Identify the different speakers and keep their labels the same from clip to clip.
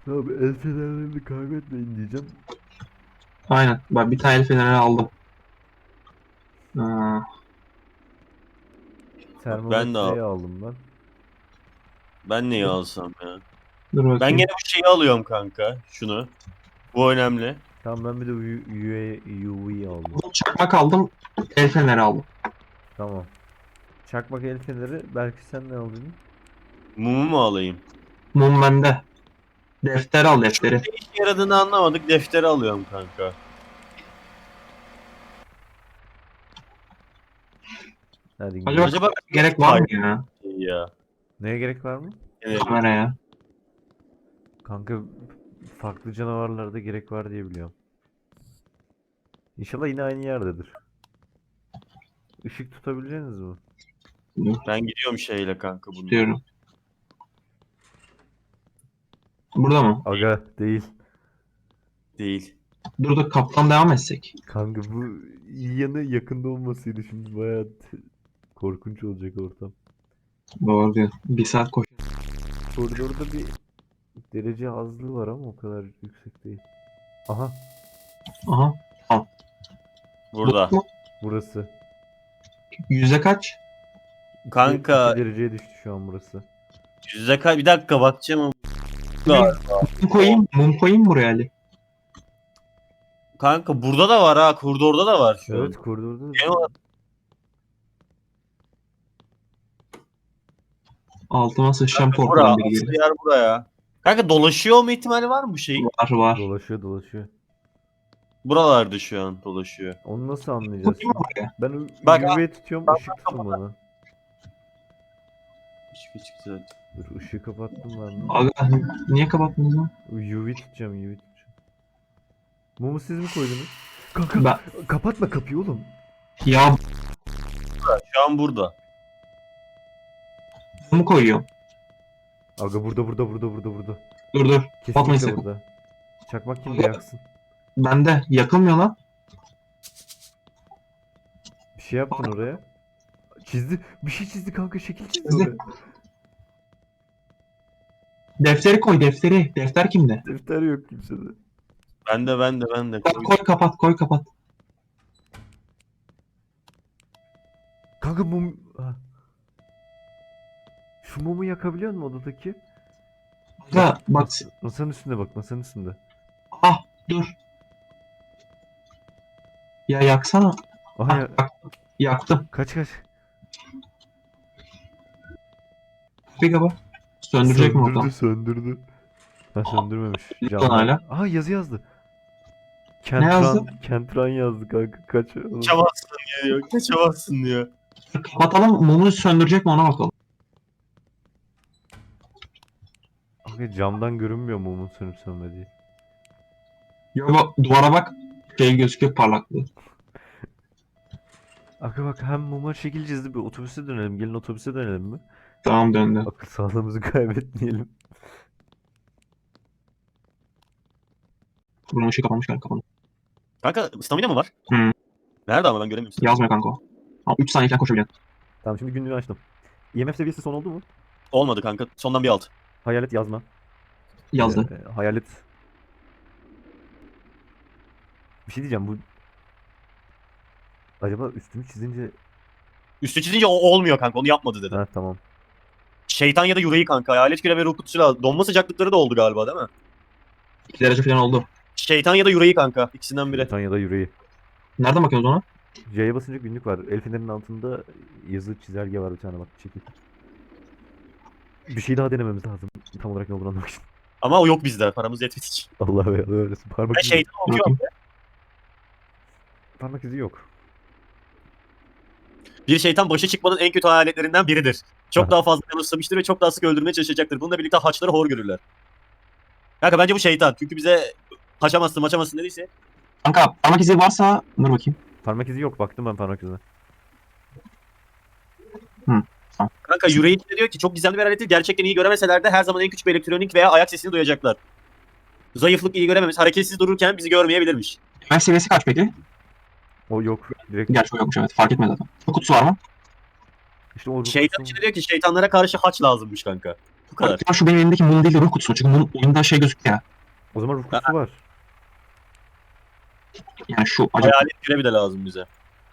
Speaker 1: Abi el fenerlerini kaybetmeyin diyeceğim.
Speaker 2: Aynen. Ben bir tane el feneri aldım. Aa,
Speaker 3: Ben de al.
Speaker 1: Termometreyi aldım ben.
Speaker 3: Ben neyi alsam ya?
Speaker 2: dur
Speaker 3: Ben
Speaker 2: bakayım.
Speaker 3: gene bu şeyi alıyorum kanka. Şunu. Bu önemli.
Speaker 1: Tamam ben bir de UV aldım.
Speaker 2: Çakmak aldım. El feneri aldım.
Speaker 1: Tamam. Çakmak el feneri. Belki sen ne aldın?
Speaker 3: Mumu mu alayım?
Speaker 2: Mum bende. Defter al defteri.
Speaker 3: Ne işe yaradığını anlamadık. Defteri alıyorum kanka.
Speaker 1: Hadi
Speaker 2: Acaba
Speaker 1: gidelim.
Speaker 3: Acaba
Speaker 2: gerek var mı ya
Speaker 3: ya?
Speaker 1: Neye gerek var mı?
Speaker 3: Evet.
Speaker 2: kameraya?
Speaker 1: Kanka farklı canavarlarda gerek var diye biliyorum. İnşallah yine aynı yerdedir. Işık tutabileceğiniz mi?
Speaker 3: Ben gidiyorum şeyle kanka bunu.
Speaker 2: Diyorum. Burada mı?
Speaker 1: Aga değil.
Speaker 3: Değil.
Speaker 2: Dur dur kaptan devam etsek.
Speaker 1: Kanka bu iyi yanı yakında olmasıydı, şimdi bayağı korkunç olacak ortam.
Speaker 2: Doğru diyor. Bir saat koş.
Speaker 1: Koridorda bir derece azlığı var ama o kadar yüksek değil. Aha,
Speaker 2: Aha.
Speaker 3: Burada.
Speaker 2: Bu mu?
Speaker 1: burası.
Speaker 2: Yüzde kaç?
Speaker 3: Kanka
Speaker 1: 2 dereceye düştü şu an burası.
Speaker 3: yüzde kaç? Bir dakika bakacağım.
Speaker 2: Mum koyayım. Mum koyayım buraya Ali.
Speaker 3: Kanka burada da var ha. Koridorda da var şu
Speaker 1: Evet,
Speaker 3: an.
Speaker 1: koridorda.
Speaker 3: Ne var?
Speaker 2: Altıma sıçacağım
Speaker 3: Bura.
Speaker 2: korkudan biri
Speaker 3: Asıl
Speaker 2: gelir.
Speaker 3: yer buraya. Kanka dolaşıyor olma ihtimali var mı bu şeyin?
Speaker 2: Var var.
Speaker 1: Dolaşıyor dolaşıyor.
Speaker 3: Buralarda şu an dolaşıyor.
Speaker 1: Onu nasıl anlayacağız?
Speaker 2: Koyayım mı buraya?
Speaker 1: Ben
Speaker 3: Bak,
Speaker 1: UV tutuyorum, ışık tutun bana.
Speaker 3: Hiçbir çıktı.
Speaker 1: Dur, ışığı kapattım ben de.
Speaker 2: Aga niye kapattınız lan?
Speaker 1: UV tutacağım, UV tutacağım. Mumu siz mi koydunuz? Kanka
Speaker 2: Ben...
Speaker 1: kapatma kapıyı oğlum.
Speaker 2: Ya
Speaker 3: Şu an burada.
Speaker 2: mumu koyuyorum.
Speaker 1: Aga burada.
Speaker 2: Dur dur. Kapatmayın
Speaker 1: Kesinlikle
Speaker 2: sakın.
Speaker 1: burada. Çakmak kimde, yaksın.
Speaker 2: Bende. Yakılmıyor lan.
Speaker 1: Bir şey yaptın oraya. Çizdi. Bir şey çizdi kanka, şekil çizdi
Speaker 2: Çizdi.
Speaker 1: oraya.
Speaker 2: Defteri koy defteri. Defter kimde?
Speaker 1: Defter yok kimsede.
Speaker 3: Ben de.
Speaker 2: Koy kapat koy kapat.
Speaker 1: Kanka mum... Ha. Şu mumu yakabiliyor musun odadaki?
Speaker 2: Aga bak.
Speaker 1: Masanın üstünde bak, masanın üstünde.
Speaker 2: Ah dur. Ya yaksana.
Speaker 1: Aha
Speaker 2: Ah,
Speaker 1: ya,
Speaker 2: yaktım.
Speaker 1: kaç.
Speaker 2: Bir kaba. Söndürecek mi ortam?
Speaker 1: Söndürdü. Ha, söndürmemiş.
Speaker 2: Lütfen
Speaker 1: Camdan.
Speaker 2: hala.
Speaker 1: Aha, yazı yazdı.
Speaker 2: Ne yazdı?
Speaker 1: Kentran yazdı kanka, kaç.
Speaker 3: Kaçamazsın diyor. Kaçamazsın diyor.
Speaker 2: Kapatalım. Mumu söndürecek mi ona bakalım.
Speaker 1: Kanka camdan görünmüyor mumun sönüp sönmediği.
Speaker 2: Ya bak duvara bak. Şey gözüküyor parlaklığı.
Speaker 1: Kanka bak, hem muma şekil çizdi, bir otobüse dönelim. Gelin otobüse dönelim mi?
Speaker 2: Tamam döndü.
Speaker 1: Akıl sağlığımızı kaybetmeyelim.
Speaker 2: Buranın ışığı kapanmış galiba kapandı.
Speaker 3: Kanka stamina mı var?
Speaker 2: Hı.
Speaker 3: Nerede ama ben göremiyorum.
Speaker 2: Yazmıyor kanka o. Ama 3 saniyeden koşabileceksin.
Speaker 1: Tamam, şimdi günlüğü açtım. IMF seviyesi son oldu mu?
Speaker 3: Olmadı kanka. Sondan bir alt.
Speaker 1: Hayalet yazma.
Speaker 2: Yazdı.
Speaker 1: Hayalet. Bir şey diyeceğim, bu... Acaba üstünü çizince...
Speaker 3: Üstü çizince o olmuyor kanka. Onu yapmadı dedi.
Speaker 1: Ha, tamam.
Speaker 3: Şeytan ya da yüreği kanka. Hayalet küre ve ruh kutusu lazım. Donma sıcaklıkları da oldu galiba değil mi?
Speaker 2: 2 derece falan oldu.
Speaker 3: Şeytan ya da yüreği kanka. İkisinden biri.
Speaker 1: Britanya'da yüreği.
Speaker 2: Nereden bakıyoruz ona?
Speaker 1: C'ye basınca günlük var. El fenerinin altında yazı çizelge var bir tane, bak çekil. Bir şey daha denememiz lazım. Tam olarak ne olduğunu anlamak için.
Speaker 3: Ama o yok bizde. Paramız yetmedi hiç.
Speaker 1: Allah be, Allah öylesin. Parmak
Speaker 3: Ben
Speaker 1: izi,
Speaker 3: şeytan okuyorum.
Speaker 1: parmak izi yok.
Speaker 3: Bir şeytan başa çıkmanın en kötü hayaletlerinden biridir. Çok
Speaker 1: Aha.
Speaker 3: daha fazla yanılsamıştır ve çok daha sık öldürmeye çalışacaktır. Bununla birlikte haçları hor görürler. Kanka bence bu şeytan. Çünkü bize kaçamazsın dediyse.
Speaker 2: Kanka parmak izi varsa dur bakayım.
Speaker 1: Parmak izi yok. Baktım ben parmak izine.
Speaker 3: Kanka yüreği de diyor ki çok gizemli bir alettir. Gerçekten iyi göremeseler de her zaman en küçük bir elektronik veya ayak sesini duyacaklar. Zayıflık iyi görememiz. Hareketsiz dururken bizi görmeyebilirmiş.
Speaker 2: IMF seviyesi kaç peki?
Speaker 1: O yok. Direkt
Speaker 2: Gerçi o yokmuş evet fark etmedi zaten. Çok kutusu var mı?
Speaker 1: işte o
Speaker 3: Şeytan
Speaker 1: ruhsuz-
Speaker 3: içinde diyor ki şeytanlara karşı haç lazımmış kanka. Bu kadar.
Speaker 2: Ya şu benim elimdeki mum değil de ruh kutusu. Çünkü mum oyunda şey gözüküyor ya.
Speaker 1: O zaman ruh kutusu var.
Speaker 2: Yani şu acaba
Speaker 3: Hayalet küre bir de lazım bize.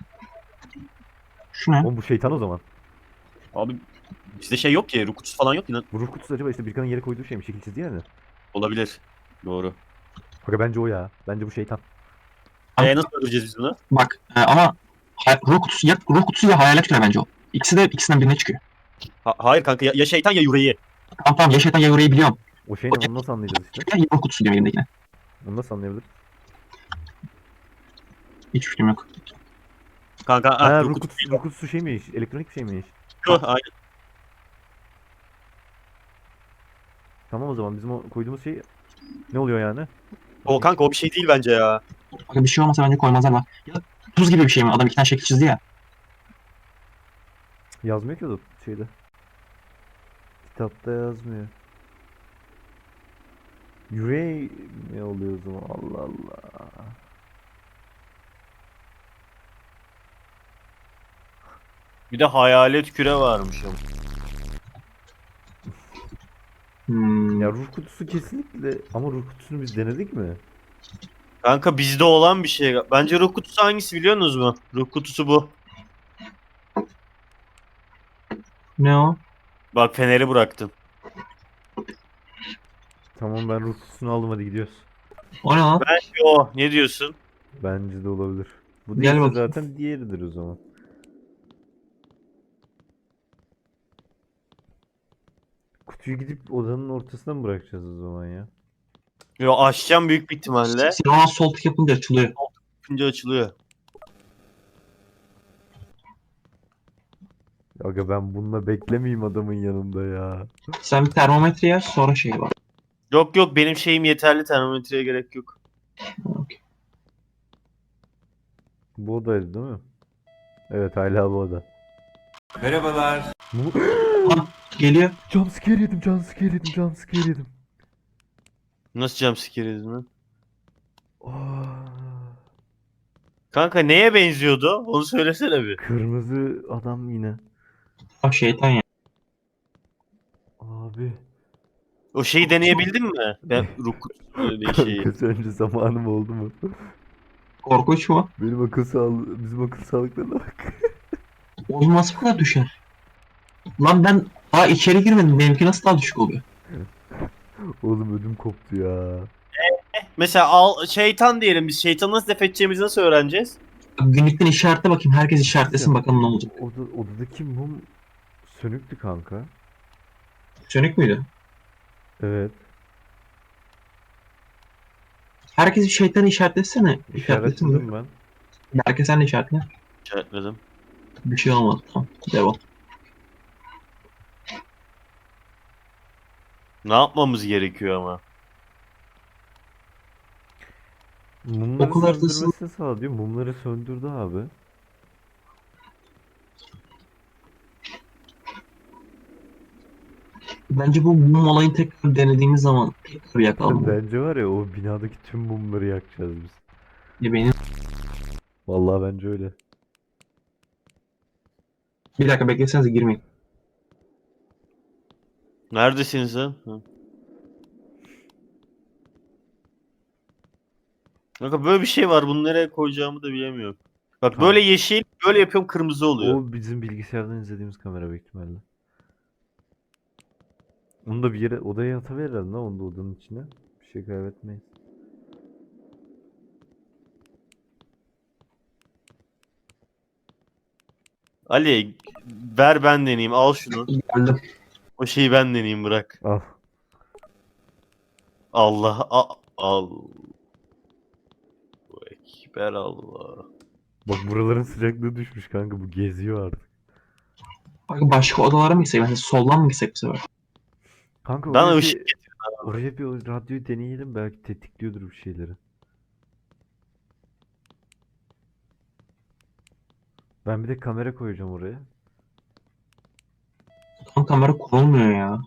Speaker 2: şu ne?
Speaker 1: Oğlum bu şeytan o zaman.
Speaker 3: Abi bizde şey yok ki. Ruh kutusu falan yok ki.
Speaker 1: Bu ruh kutusu acaba işte Birkan'ın yere koyduğu şey mi? Şekil çizdi yani.
Speaker 3: Olabilir. Doğru.
Speaker 1: Aga bence o ya. Bence bu şeytan.
Speaker 3: Nasıl öldüreceğiz biz bunu?
Speaker 2: Bak ama ruh kutusu ya ruh kutusu ya hayalet küre bence o. İkisinden birine çıkıyor.
Speaker 3: Hayır kanka ya şeytan ya yüreği.
Speaker 2: Tamam ya şeytan ya orayı biliyorum.
Speaker 1: O şey ne? Onu nasıl anlayacağız işte?
Speaker 2: Ya ruh kutusu diyorum elimdekine.
Speaker 1: Onu nasıl anlayabiliriz?
Speaker 2: Hiç fikrim yok.
Speaker 3: Kanka
Speaker 1: Ha
Speaker 3: ruh
Speaker 1: ruh
Speaker 3: kutusu.
Speaker 1: kutusu, ruh kutusu şey miymiş? Elektronik bir şey miymiş?
Speaker 3: Aynen.
Speaker 1: Tamam o zaman bizim o koyduğumuz şey ne oluyor yani?
Speaker 3: O kanka o bir şey değil bence ya.
Speaker 2: Bak bir şey olmasa bence koymazlar da. Ya tuz gibi bir şey mi? Adam iki tane şekil çizdi ya.
Speaker 1: Yazmıyor ki o da şeyde. Kitapta yazmıyor. Yüreği ne oluyor o zaman? Allah Allah.
Speaker 3: Bir de hayalet küre varmış ama.
Speaker 1: Ya ruh kutusu kesinlikle ama ruh kutusunu biz denedik mi?
Speaker 3: Kanka bizde olan bir şey. Bence ruh kutusu hangisi biliyorsunuz mu? Ruh kutusu bu.
Speaker 2: Ne o?
Speaker 3: Bak feneri bıraktım.
Speaker 1: Tamam ben ruh kutusunu aldım hadi gidiyoruz.
Speaker 2: O ne lan?
Speaker 3: Bence o. Ne diyorsun?
Speaker 1: Bence de olabilir. Bu
Speaker 2: Gel
Speaker 1: değilse
Speaker 2: bakayım.
Speaker 1: zaten diğeridir o zaman. Kutuyu gidip odanın ortasına mı bırakacağız o zaman ya?
Speaker 3: Yo açacağım büyük bir ihtimalle.
Speaker 2: Silahına sol tık yapınca açılıyor.
Speaker 3: Yapınca açılıyor.
Speaker 1: Aga ben bununla beklemeyeyim adamın yanında ya.
Speaker 2: Sen bir termometre yer sonra şey var.
Speaker 3: Yok yok benim şeyim yeterli termometreye gerek yok.
Speaker 2: Okey.
Speaker 1: Bu odaydı değil mi? Evet hala bu oda.
Speaker 4: Merhabalar.
Speaker 2: Geliyor.
Speaker 1: Jumpscare yedim, jumpscare yedim, jumpscare yedim.
Speaker 3: Nasıl jumpscare yedin lan?
Speaker 1: Aa,
Speaker 3: Kanka neye benziyordu? Onu söylesene bir.
Speaker 1: kırmızı adam yine.
Speaker 2: Bak şeytan ya.
Speaker 1: Abi.
Speaker 3: O şeyi deneyebildin mi? Ben ruh kutusu diye şeyi.
Speaker 1: Kanka sence zamanım oldu mu?
Speaker 2: Korkunç mu?
Speaker 1: Benim bizim akıl sağlıklarına bak.
Speaker 2: Oğlum nasıl bu kadar düşer? Lan ben daha içeri girmedim. Benimki nasıl daha düşük oluyor?
Speaker 1: Oğlum ödüm koptu ya.
Speaker 3: Mesela şeytan diyelim biz. Şeytanı nasıl def edeceğimizi nasıl öğreneceğiz?
Speaker 2: Günlükten işaretle bakayım. Herkes işaretlesin bakalım ne olacak.
Speaker 1: Odadaki mum sönüktü kanka.
Speaker 2: Sönük müydü?
Speaker 1: Evet.
Speaker 2: Herkes bir şeytanı işaretlesene. İşaretlesin.
Speaker 1: İşaretledim ben.
Speaker 2: Herkes sen de işaretle.
Speaker 3: İşaretledim.
Speaker 2: Bir şey olmadı. Tamam. Devam.
Speaker 3: Ne yapmamız gerekiyor ama?
Speaker 1: Mumları
Speaker 2: Okul haritasını-
Speaker 1: söndürmesini sağ diyor. Mumları söndürdü abi.
Speaker 2: Bence bu mum olayını tekrar denediğimiz zaman tekrar yakalım.
Speaker 1: Bence var ya o binadaki tüm mumları yakacağız biz.
Speaker 2: Ya benim...
Speaker 1: Vallahi bence öyle.
Speaker 2: Bir dakika beklesenize girmeyin.
Speaker 3: Neredesin sen? Hı. Kanka böyle bir şey var. Bunu nereye koyacağımı da bilemiyorum. Bak
Speaker 1: Tamam.
Speaker 3: böyle yeşil, böyle yapıyorum kırmızı oluyor.
Speaker 1: O bizim bilgisayardan izlediğimiz kamera büyük ihtimalle. Onu da bir yere odaya atıverir herhalde lan onu da odanın içine. Bir şey kaybetmeyiz.
Speaker 3: Ali ver ben deneyeyim. Al şunu.
Speaker 2: Geldim.
Speaker 3: O şeyi ben deneyeyim bırak.
Speaker 1: Al.
Speaker 3: Allah al. Ekber Allah.
Speaker 1: Bak buraların sıcaklığı düşmüş kanka bu geziyor artık.
Speaker 2: Bak başka odalara mı gitsek? Mesela soldan mı gitsek bu sefer?
Speaker 1: Kanka
Speaker 3: Bana
Speaker 1: oraya
Speaker 3: ışık
Speaker 1: bir, oraya bir o radyoyu deneyelim belki tetikliyordur bir şeyleri. Ben bir de kamera koyacağım oraya.
Speaker 2: Tam kamera konulmuyor ya.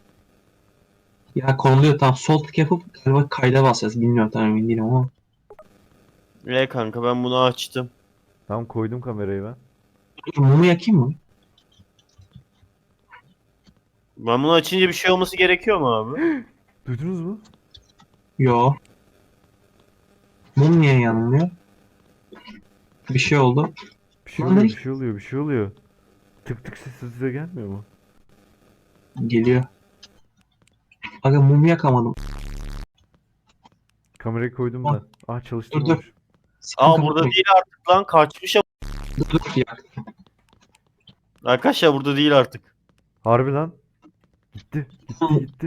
Speaker 2: Ya konuluyor tamam. Sol tık yapıp galiba kayda basacağız. Bilmiyorum tam emin değilim ama.
Speaker 3: Kanka ben bunu açtım.
Speaker 1: Tamam koydum kamerayı ben.
Speaker 2: Dur, mumu yakayım mı?
Speaker 3: Ben bunu açınca bir şey olması gerekiyor mu abi?
Speaker 1: Duydunuz mu?
Speaker 2: Yo. Mum niye yanmıyor? Bir şey oldu.
Speaker 1: Bir şey
Speaker 2: Lan
Speaker 1: oluyor,
Speaker 2: ne?
Speaker 1: bir şey oluyor, bir şey oluyor. Tık tık sesi size gelmiyor mu?
Speaker 2: Geliyor. Aga mum yakamadım.
Speaker 1: Kamerayı koydum
Speaker 2: Ah,
Speaker 1: ben. Ah
Speaker 2: dur.
Speaker 1: çalıştırmamış.
Speaker 2: Sakın
Speaker 3: Aa burada
Speaker 2: kapatmayın.
Speaker 3: değil artık lan, kaçmış.
Speaker 2: Dur ya.
Speaker 3: Arkadaşlar burada değil artık.
Speaker 1: Harbi lan. Gitti, gitti, gitti.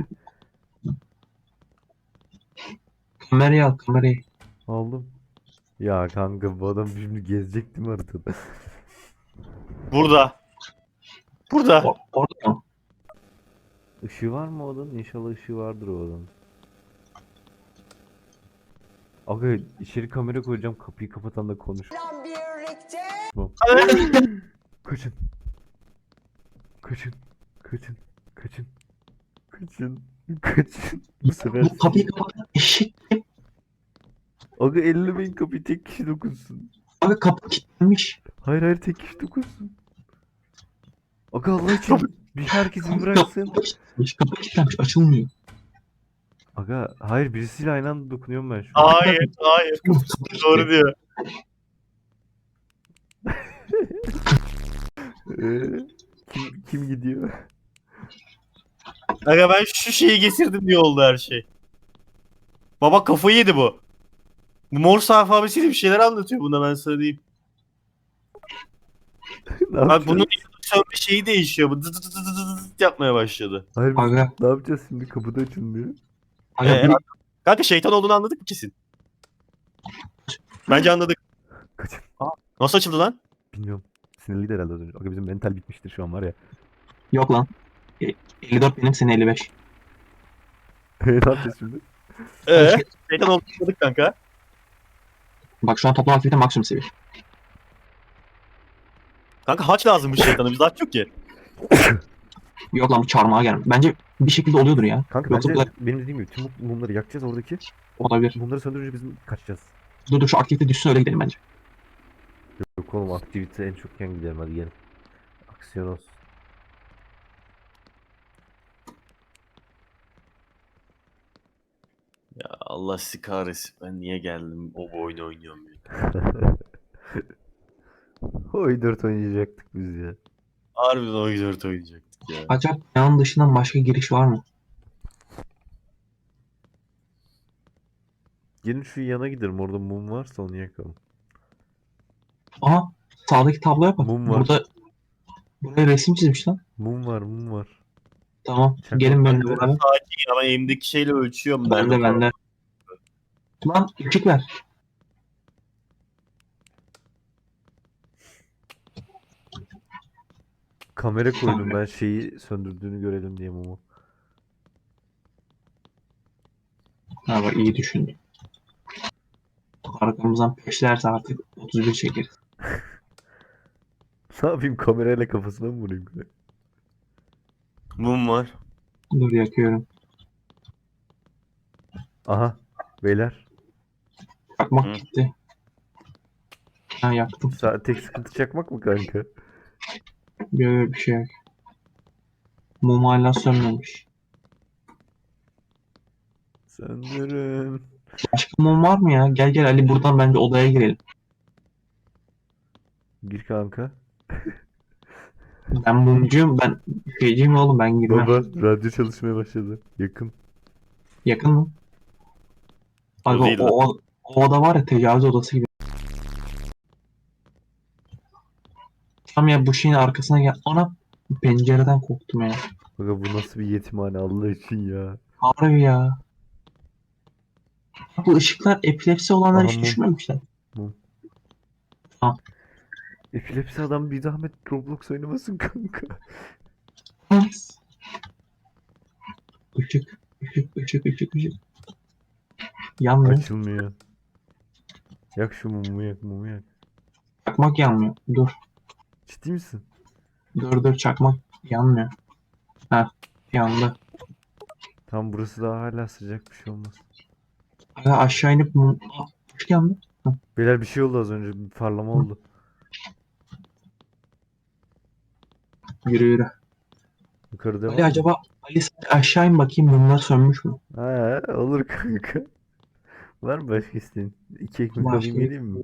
Speaker 2: Kamerayı al kamerayı.
Speaker 1: Aldım. Ya kanka bu adam şimdi gezecek değil mi haritada?
Speaker 3: Burada. Burada.
Speaker 2: Orada mı?
Speaker 1: Işığı var mı o odanın? İnşallah ışığı vardır o odanın. Aga içeri kamera koyacağım, kapıyı kapatan da konuş. Tamam. Kaçın. Kaçın. Kaçın. Kaçın. Kaçın. Kaçın. Bu sefer
Speaker 2: Bu kapıyı kapat. Eşek.
Speaker 1: Aga ellemeyin kapıyı, tek kişi dokunsun.
Speaker 2: Aga kapı kilitlenmiş.
Speaker 1: Hayır hayır, tek kişi dokunsun. Aga Allah için bir herkes bir bıraksın.
Speaker 2: Kapı kilitlenmiş. Açılmıyor.
Speaker 1: Aga hayır, birisiyle aynı anda dokunuyorum ben şu an.
Speaker 3: Hayır, hayır. Doğru diyor.
Speaker 1: Kim gidiyor?
Speaker 3: Aga ben şu şeyi getirdim diye oldu her şey. Baba kafayı yedi bu. Bu Morse alfabesiyle bir şeyler anlatıyor bunda, ben sana diyeyim.
Speaker 1: Ne
Speaker 3: Bak
Speaker 1: yapacağız?
Speaker 3: bunun sönme şeyi değişiyor. Bu dı dı dı dı dı dı dı yapmaya başladı.
Speaker 1: Hayır biz
Speaker 2: Aga.
Speaker 1: ne yapacağız şimdi, kapıda açılmıyor.
Speaker 2: Aga
Speaker 3: Ee, Kanka şeytan olduğunu anladık mı kesin? Bence anladık.
Speaker 1: Kaçın.
Speaker 3: Nasıl açıldı lan?
Speaker 1: Bilmiyorum. Sinirliydi herhalde az önce. Aga bizim mental bitmiştir şu an var ya.
Speaker 2: yok lan. 54 benim senin 55.
Speaker 1: Ne yapacağız şimdi?
Speaker 3: Şeytan olduğunu anladık kanka.
Speaker 2: Bak şu an toplam aktivite maksimum seviye.
Speaker 3: Kanka haç lazım bu şeytana, bizde haç yok ki.
Speaker 2: Yok lan bu çarmıha gelmiş. Bence bir şekilde oluyordur ya.
Speaker 1: Kanka
Speaker 2: Yoksa
Speaker 1: bence
Speaker 2: bu da
Speaker 1: benim dediğim gibi tüm mumları yakacağız oradaki.
Speaker 2: olabilir.
Speaker 1: Mumları söndürünce biz kaçacağız.
Speaker 2: Dur şu aktivite düşsün öyle gidelim bence.
Speaker 1: Yok oğlum, aktivite en çokken gidelim, hadi gelin. Aksiyon olsun.
Speaker 3: Ya Allah sizi kahretsin. Ben niye geldim o oyunu oynuyorum ya.
Speaker 1: Oy 4 oynayacaktık biz ya.
Speaker 3: Harbiden o 4 oynayacaktık ya.
Speaker 2: Acaba binanın dışından başka giriş var mı?
Speaker 1: Gelin şu yana gidelim, orada mum varsa onu yakalım.
Speaker 2: Aha sağdaki tabloya bak.
Speaker 1: Mum var.
Speaker 2: Burada buraya resim çizmiş lan.
Speaker 1: Mum var, mum var.
Speaker 2: Tamam.
Speaker 1: Çakmak
Speaker 2: Gelin benimle
Speaker 1: bende.
Speaker 2: beraber.
Speaker 3: Sakin ya, ben elimdeki şeyle ölçüyorum.
Speaker 2: Bende bende. Lan ışık ver.
Speaker 1: Kamera koydum ben, şeyi söndürdüğünü görelim diye mumu.
Speaker 2: Ha bak iyi düşündüm. Arkamızdan peşlerse artık 31 çekeriz.
Speaker 1: Ne yapayım, kamerayla kafasına mı vurayım?
Speaker 3: Mum var.
Speaker 2: Dur yakıyorum.
Speaker 1: Aha beyler,
Speaker 2: Çakmak
Speaker 3: Hı.
Speaker 2: gitti. Ha yaktım.
Speaker 1: tek sıkıntı çakmak mı kanka?
Speaker 2: Böyle bir şey yok. Mum hala sönmemiş.
Speaker 1: Söndürün.
Speaker 2: Başka mum var mı ya? Gel gel Ali buradan bence odaya girelim.
Speaker 1: Gir kanka.
Speaker 2: Ben mumcuyum. Ben şeyciyim oğlum ben girmem.
Speaker 1: Baba radyo çalışmaya başladı. Yakın.
Speaker 2: Yakın mı? Abi
Speaker 3: O değil lan.
Speaker 2: o oda var ya tecavüz odası gibi. Tam ya bu şeyin arkasına gel. Ana pencereden korktum ya.
Speaker 1: Baba bu nasıl bir yetimhane Allah için ya.
Speaker 2: Harbi ya. Bu ışıklar epilepsi olanlar
Speaker 1: Aha,
Speaker 2: hiç
Speaker 1: mum.
Speaker 2: düşmemişler.
Speaker 1: Epilepsi adam bir zahmet Roblox oynamasın kanka.
Speaker 2: Işık, ışık. Yanmıyor.
Speaker 1: Açılmıyor. Yak şu mumu, yak mumu yak.
Speaker 2: Çakmak yanmıyor. Dur.
Speaker 1: Ciddi misin?
Speaker 2: Dur çakmak yanmıyor. Ha yandı.
Speaker 1: Tam burası daha hala sıcak, bir şey olmaz.
Speaker 2: Aga aşağı inip ışık yandı.
Speaker 1: Beyler bir şey oldu az önce, bir parlama oldu.
Speaker 2: Yürü.
Speaker 1: Yukarıda var
Speaker 2: Ali
Speaker 1: mı?
Speaker 2: acaba Ali sen aşağı in bakayım bunlar sönmüş mü?
Speaker 1: Ha, olur kanka. Var mı başka isteğin? 2 ekmek
Speaker 2: Başka
Speaker 1: alayım
Speaker 2: bir-
Speaker 1: geleyim mi?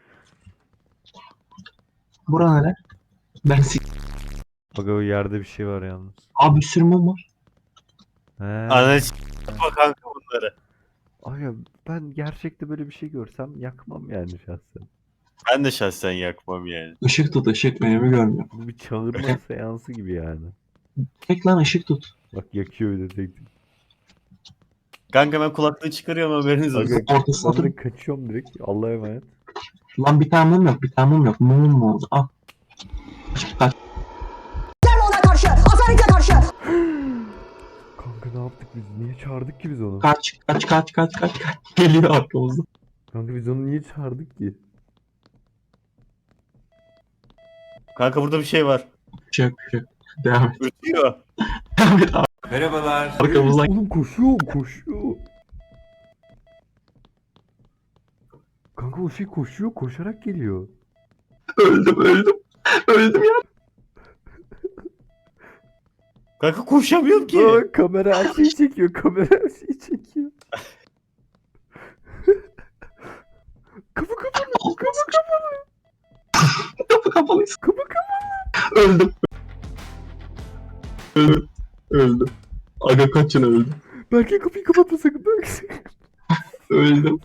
Speaker 2: Bura nere? Ben
Speaker 1: Bak o yerde bir şey var yalnız.
Speaker 2: Abi bir sürü mum var.
Speaker 1: He.
Speaker 3: Ananı s**ma kanka bunları.
Speaker 1: Aga ben gerçekte böyle bir şey görsem yakmam yani şahsen.
Speaker 3: Ben de şahsen yakmam yani.
Speaker 2: Işık tut ışık önümü görmüyor.
Speaker 1: Bu bir çağırma seansı gibi yani.
Speaker 2: Tek lan ışık tut.
Speaker 1: Bak yakıyor öyle tek.
Speaker 3: Kanka ben kulaklığı çıkarıyorum haberiniz olsun.
Speaker 1: Aga
Speaker 2: Ortasına
Speaker 1: ben de
Speaker 2: otur.
Speaker 1: kaçıyorum direkt. Allah'a emanet.
Speaker 2: Lan bir tane mum yok bir tane mum yok. Mum mu oldu? Ah. Kaç.
Speaker 5: ona karşı, Asarit'e karşı.
Speaker 1: Kanka ne yaptık biz? Niye çağırdık ki biz onu?
Speaker 2: Kaç. Geliyor arkamızda.
Speaker 1: Kanka biz onu niye çağırdık ki?
Speaker 3: Kanka burada bir şey var.
Speaker 2: Bir şey yok. Devam et.
Speaker 3: Ürtüyor.
Speaker 2: Devam et abi.
Speaker 4: Merhabalar.
Speaker 2: Arkamızdan.
Speaker 1: Oğlum koşuyor. Kanka o şey koşuyor, koşarak geliyor.
Speaker 2: Öldüm ya.
Speaker 3: Kanka koşamıyorum ki.
Speaker 1: Aa, kamera her şeyi çekiyor, kamera her şeyi çekiyor. Kapı kapalı,
Speaker 2: Kapı kapalıyız.
Speaker 1: kapı kapalı.
Speaker 2: Öldüm. Aga kaçın öldüm.
Speaker 1: Belki kapıyı kapatma sakın. Belki.
Speaker 2: Öldüm.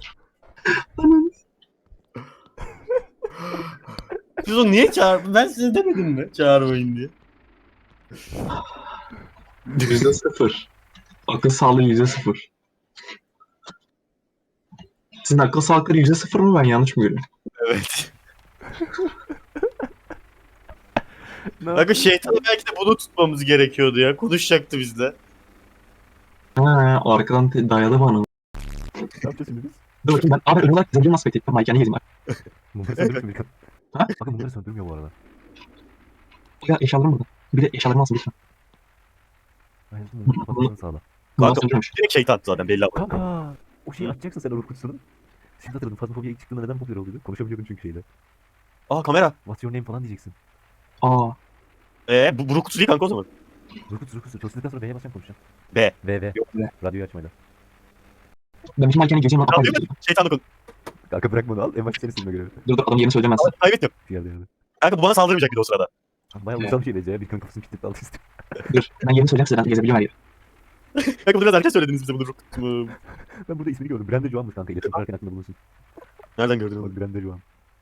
Speaker 3: Siz onu niye çağırdın? Ben size demedim mi? Çağırmayın diye.
Speaker 2: %0. Akıl sağlığı %0. Sizin akıl sağlıkları %0 mı ben yanlış mı görüyorum?
Speaker 3: Evet.
Speaker 1: Ne
Speaker 3: Kanka şeytanı belki de bunu tutmamız gerekiyordu ya. Konuşacaktı bizle.
Speaker 2: Ha, arkadan dayadı bana.
Speaker 1: yapacağız şimdi biz?
Speaker 2: Dur bakayım ben. Abi ön olarak zengin nasıl beklettim? Mike yani yedim.
Speaker 1: Mumları söndürmüyor mu Birkan?
Speaker 2: Ha?
Speaker 1: Bakın mumları söndürmüyor bu arada.
Speaker 2: Ya eşyalarım burada. Bir de eşyalarımı alsın lütfen.
Speaker 1: Aynen mumları kapatmanı sağla.
Speaker 2: Bundan
Speaker 3: Kanka
Speaker 2: söndürmüş.
Speaker 3: direkt şeytan zaten belli ama.
Speaker 1: Kanka o şeyi açacaksın sen Uğur kutusunu. Şimdi hatırladım Phasmophobia ilk çıktığında neden popüler oluyordu? Konuşabiliyordun çünkü şeyde.
Speaker 3: Aa kamera.
Speaker 1: What's your name falan diyeceksin.
Speaker 2: Aa.
Speaker 3: Bu kutusu değil kanka o zaman.
Speaker 1: Uğur kutusu. Çalıştıktan sonra B'ye basacağım konuşacağım.
Speaker 3: B.
Speaker 1: V.
Speaker 2: Yok be.
Speaker 1: Radyoyu açmayla.
Speaker 2: Ben bütün Mike'nin gözüyle
Speaker 3: Tamam,
Speaker 2: atar
Speaker 3: değil mi? Şeytanla konuş.
Speaker 1: Kanka bırak bunu al. En başta seni silme görevi.
Speaker 2: Dur adamın yerini söyleyeceğim ben size.
Speaker 3: Kaybettim.
Speaker 1: Yerde.
Speaker 3: Kanka bu bana saldırmayacak bir de o sırada.
Speaker 1: Bayağı uysal bir şeydi ya. Birkan kafasını kilitledi aldı istedim.
Speaker 2: Dur ben yerini söyleyeceğim size ben gezebiliyorum her yeri.
Speaker 3: Kanka bunu biraz erken söylediniz bize bunu.
Speaker 1: Ben burada ismini gördüm. Brenda Joan'mış kanka. İletişim kurarken aklında bulunsun.
Speaker 3: Nereden gördün onu?
Speaker 1: Bak Brenda Joan.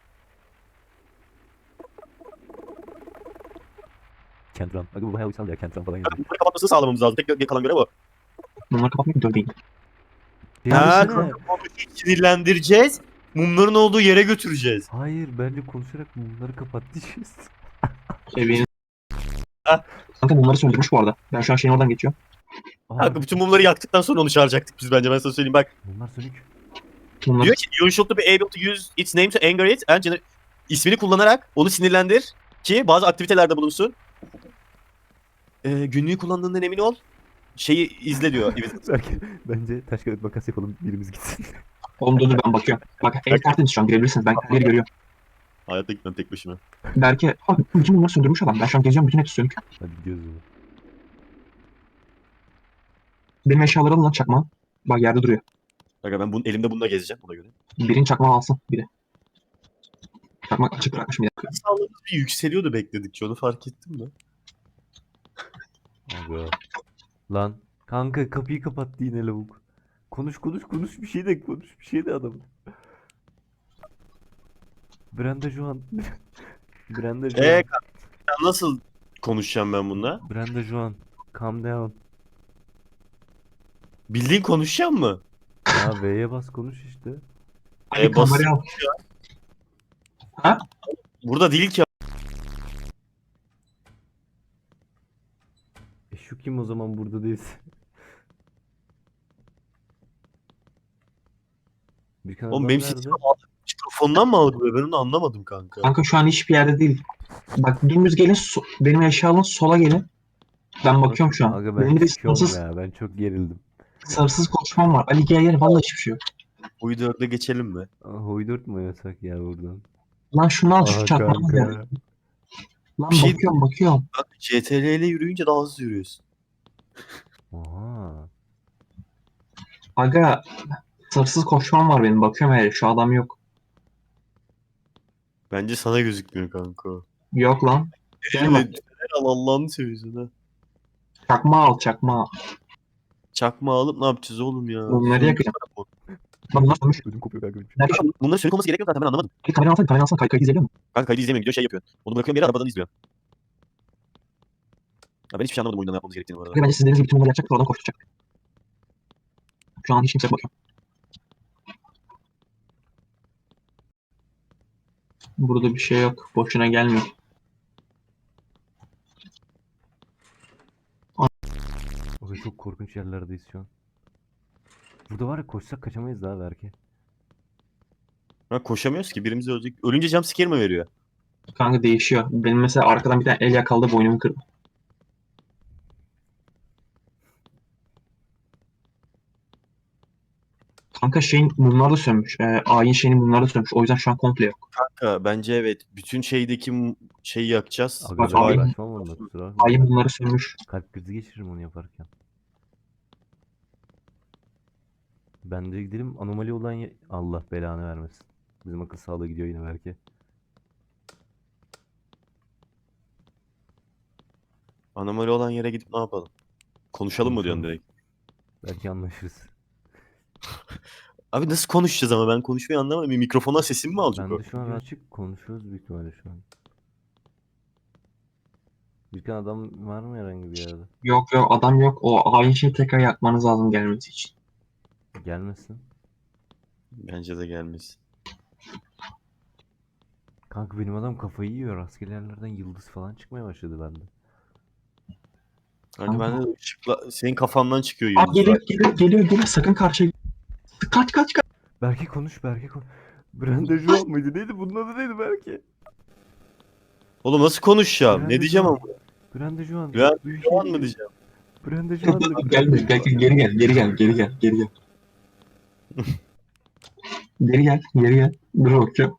Speaker 1: Kentran. Aga bu bayağı uysal ya. Kentran falan yazıyor.
Speaker 3: Bunları kapatmasını sağlamamız lazım. Tek kalan görev o.
Speaker 2: Bunları kapatmak mı? Dur değil.
Speaker 3: Ha,
Speaker 1: Desene.
Speaker 3: onu sinirlendireceğiz. Mumların olduğu yere götüreceğiz.
Speaker 1: Hayır bence konuşarak bunları kapat diyeceğiz.
Speaker 2: Evini.
Speaker 3: Ha.
Speaker 2: Kanka bunları söndürmüş bu arada. Ben şu an şeyin oradan geçiyorum.
Speaker 1: Aa,
Speaker 3: Kanka bütün mumları yaktıktan sonra onu çağıracaktık biz bence ben sana söyleyeyim bak.
Speaker 1: bunlar sönük.
Speaker 2: Bunları
Speaker 3: Diyor ki you should be able to use its name to anger it and ismini kullanarak onu sinirlendir ki bazı aktivitelerde bulunsun. Günlüğü kullandığından emin ol. Şeyi izle diyor.
Speaker 1: Belki bence taş kağıt makas yapalım birimiz gitsin.
Speaker 2: Oğlum dur ben bakıyorum. Bak ev tertemiz şu an girebilirsiniz. Ben her yeri görüyorum.
Speaker 3: Hayatta gitmem tek başıma.
Speaker 2: Belki abi bütün bunları söndürmüş adam. Ben şu an geziyorum bütün hepsi sönük.
Speaker 1: Hadi gidiyoruz o zaman.
Speaker 2: Benim eşyaları alın lan çakma. Bak yerde duruyor.
Speaker 3: Kanka ben elimde bununla gezeceğim buna göre.
Speaker 2: Birinin çakma alsın bir de. Çakma açık bırakmışım bir dakika.
Speaker 3: Sağlığımız bir yükseliyordu bekledikçe onu fark ettim de.
Speaker 1: Aga. Lan kanka kapıyı kapattı yine lavuk. Konuş bir şey de konuş bir şey de adam. Brenda Joan. Brenda Joan.
Speaker 3: Kanka nasıl konuşacağım ben bununla?
Speaker 1: Brenda Joan. Calm down.
Speaker 3: Bildiğin konuşacağım mı?
Speaker 1: Ya V'ye bas konuş işte.
Speaker 2: Ali
Speaker 3: bas-
Speaker 2: kamerayı al.
Speaker 3: Burada değil ki.
Speaker 1: Şu kim o zaman burada değilse. Birkan
Speaker 3: Oğlum
Speaker 1: adam
Speaker 3: benim
Speaker 1: nerede?
Speaker 3: sesimi mikrofondan mı algılıyor? Ben onu anlamadım kanka.
Speaker 2: Kanka şu an hiçbir yerde değil. Bak dümdüz gelin benim eşya sola gelin. Ben bakıyorum şu an.
Speaker 1: Aga
Speaker 2: Benim
Speaker 1: ben
Speaker 2: de
Speaker 1: çıkıyorum
Speaker 2: sarsız,
Speaker 1: ya ben çok gerildim.
Speaker 2: sarsız konuşmam var. Ali gel vallahi hiçbir şey yok.
Speaker 3: Bu 4'e geçelim mi?
Speaker 1: Hoydurt mu yasak ya buradan?
Speaker 2: Lan şunu al şu
Speaker 1: Aha
Speaker 2: çakmağı al ya.
Speaker 1: kanka.
Speaker 2: Lan
Speaker 3: Bir şey-
Speaker 2: bakıyorum.
Speaker 3: Bak CTRL ile yürüyünce daha hızlı yürüyorsun.
Speaker 1: Oha.
Speaker 2: Aga sınırsız koşmam var benim. Bakıyorum hele şu adam yok.
Speaker 3: Bence sana gözükmüyor kanka.
Speaker 2: Yok lan. Gel bak.
Speaker 3: Fener al Allah'ını seviyorsun ha.
Speaker 2: Çakma al.
Speaker 3: Çakma alıp ne yapacağız oğlum ya?
Speaker 2: Bunları yakacağım. Lan bunlar sönmüş.
Speaker 1: Ödüm kopuyor kanka benim.
Speaker 2: Nerede?
Speaker 3: Bunların sönük olması gerekiyor zaten ben anlamadım.
Speaker 2: Kamera alsana kaydı izleyebiliyor musun?
Speaker 3: Kanka kaydı izlemiyorum gidiyor şey yapıyor. Onu bırakıyorum yere arabadan izliyor. Ya ben hiçbir şey anlamadım oyunda ne yapmamız gerektiğini bu arada.
Speaker 2: Aga bence siz dediğiniz gibi tüm bunları yapacak oradan koşturacak. Şu an hiç kimse bakıyor. Burada bir şey yok. Boşuna gelmiyor.
Speaker 1: O da çok korkunç yerlerdeyiz şu an. Burada var ya koşsak kaçamayız daha belki.
Speaker 3: Ha, koşamıyoruz ki birimiz ölecek. Ölünce jumpscare mi veriyor?
Speaker 2: Kanka değişiyor. Benim mesela arkadan bir tane el yakaladı boynumu kırdı. Kanka şeyin mumları da sönmüş. Ayin şeyinin mumları da sönmüş. O yüzden şu an komple yok.
Speaker 3: Kanka bence evet. Bütün şeydeki şeyi yakacağız.
Speaker 1: Aga
Speaker 2: Bak,
Speaker 1: ben
Speaker 2: abi-
Speaker 1: uğraşmam onunla kusura bakma.
Speaker 2: Ayin mumları sönmüş.
Speaker 1: Kalp krizi geçiririm onu yaparken. Ben de gidelim anomali olan Allah belanı vermesin. Bizim akıl sağlığı gidiyor yine belki.
Speaker 3: Anomali olan yere gidip ne yapalım? Konuşalım mı diyorsun direkt?
Speaker 1: Belki anlaşırız.
Speaker 3: Abi nasıl konuşacağız ama ben konuşmayı anlamadım. Bir mikrofona sesimi mi alacak
Speaker 1: Ben
Speaker 3: o?
Speaker 1: de şu an açık konuşuyoruz büyük ihtimalle şu an. Bir tane adam var mı herhangi bir yerde?
Speaker 2: Yok adam yok. O ayin şeyi tekrar yakmanız lazım gelmesi için.
Speaker 1: Gelmesin.
Speaker 3: Bence de gelmez.
Speaker 1: Kanka benim adam kafayı yiyor. Rastgele yerlerden yıldız falan çıkmaya başladı bende.
Speaker 3: Kanka ben de ışıkla senin kafandan çıkıyor
Speaker 2: Aa,
Speaker 3: yıldızlar.
Speaker 2: geliyor. Sakın karşıya. Kaç.
Speaker 1: Berke konuş Berke konuş. Brenda Joan mıydı? Neydi? Bunun adı neydi Berke?
Speaker 3: Oğlum nasıl konuşacağım?
Speaker 1: Brenda
Speaker 3: Ne diyeceğim
Speaker 1: Joan.
Speaker 3: ama?
Speaker 1: Brenda Joan.
Speaker 3: Brenda
Speaker 1: Büyük
Speaker 3: Joan
Speaker 1: şey-
Speaker 3: mı diyeceğim?
Speaker 1: Brenda Joan'dı.
Speaker 2: Gelme. Geri gel. Geri gel. Dur bakacağım.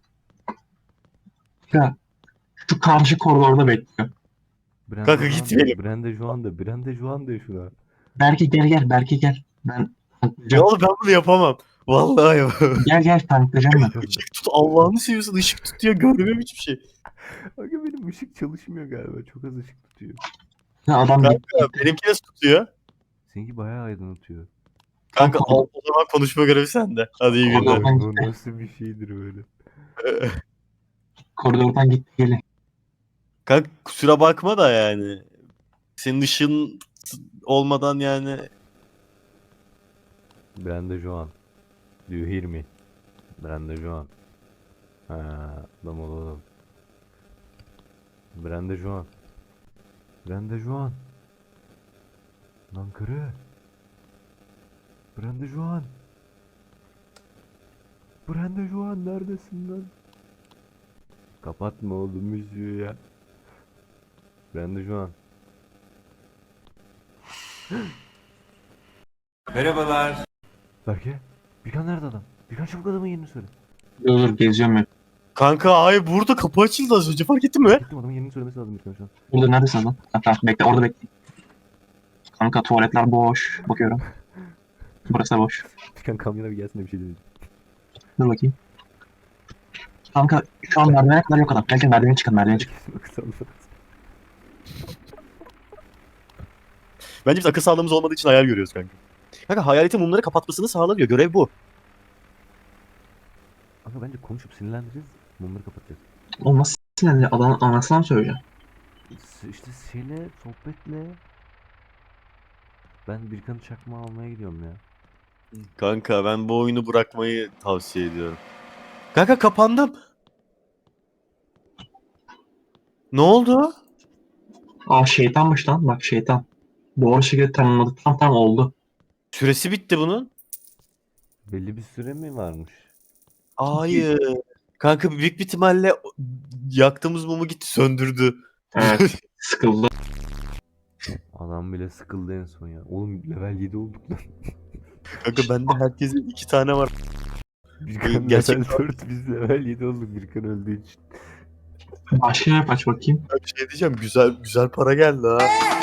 Speaker 2: Ya şu karşı koridorda bekliyor.
Speaker 1: Brenda
Speaker 3: Kanka
Speaker 1: Joan
Speaker 3: gitmeyelim.
Speaker 1: de, Brenda Joan'dı. Brenda Joan'dı şuna.
Speaker 2: Belki gel. Ben
Speaker 3: Ya
Speaker 2: tanklayacağım.
Speaker 3: oğlum ben bunu yapamam. Vallahi yapamam.
Speaker 2: Gel tanklayacağım ben.
Speaker 3: Işık tut Allah'ını seviyorsun ışık tut ya görmem hiçbir şey.
Speaker 1: Aga benim ışık çalışmıyor galiba. Çok az ışık tutuyor.
Speaker 2: Ya adam
Speaker 3: Kanka benimki nasıl tutuyor?
Speaker 1: Seninki bayağı aydınlatıyor.
Speaker 3: Kanka o zaman konuşma görevi sende. Hadi iyi günler.
Speaker 2: Allah'ım.
Speaker 1: Bu nasıl bir şeydir böyle?
Speaker 2: koridordan gitti geli.
Speaker 3: Kanka kusura bakma da yani. Senin ışığın olmadan yani.
Speaker 1: Brenda Joan. Do you hear me? Brenda Joan. Ha, adam olalım. Brenda Joan. Brenda Joan. Lan karı. Brenda Joan. Brenda Joan neredesin lan? Kapatma oğlum müziği ya. Brenda Joan.
Speaker 4: Merhabalar.
Speaker 1: Berke. Birkan nerede adam? Birkan çabuk adamın yerini söyle.
Speaker 2: Dur geziyorum ben.
Speaker 3: Kanka ay burada kapı açıldı az önce fark ettin mi?
Speaker 1: Gittim adamın yerini söylemesi lazım Birkan şu an.
Speaker 2: Burada neredesin lan? Ha, tamam, bekle orada bekle. Kanka tuvaletler boş. Bakıyorum. Burası da boş.
Speaker 1: Birkan kamyona bir gelsin de bir şey diyeceğim.
Speaker 2: Dur bakayım. Kanka şu an merdivene kadar yok adam. Gel merdivene çıkalım.
Speaker 1: Kesin akıl sağlığı.
Speaker 3: Bence biz akıl sağlığımız olmadığı için hayal görüyoruz kanka. Kanka hayaletin mumları kapatmasını sağlanıyor. Görev bu.
Speaker 1: Aga bence konuşup sinirlendireceğiz. Mumları kapatacağız.
Speaker 2: Oğlum nasıl sinirli? Adamın anasına mı söyleyeceğim?
Speaker 1: İşte şeyle, sohbetle. Ben Birkan'ı çakma almaya gidiyorum ya.
Speaker 3: Kanka ben bu oyunu bırakmayı tavsiye ediyorum. Kanka kapandım. Ne oldu?
Speaker 2: Aa şeytanmış lan. Bak şeytan. Doğru şekilde tanımladık. Tam oldu.
Speaker 3: Süresi bitti bunun.
Speaker 1: Belli bir süre mi varmış?
Speaker 3: Hayır. Kanka büyük bir ihtimalle yaktığımız mumu gitti söndürdü.
Speaker 2: Evet. Sıkıldı.
Speaker 1: Adam bile sıkıldı en son ya. Oğlum level 7 olduk lan.
Speaker 3: Kanka bende herkesin 2 tane var.
Speaker 1: Birkan
Speaker 3: Gerçek-
Speaker 1: level 4 biz level 7 olduk Birkan öldüğü için.
Speaker 2: Başka yap aç bakayım.
Speaker 6: Bir şey diyeceğim. Güzel para geldi ha.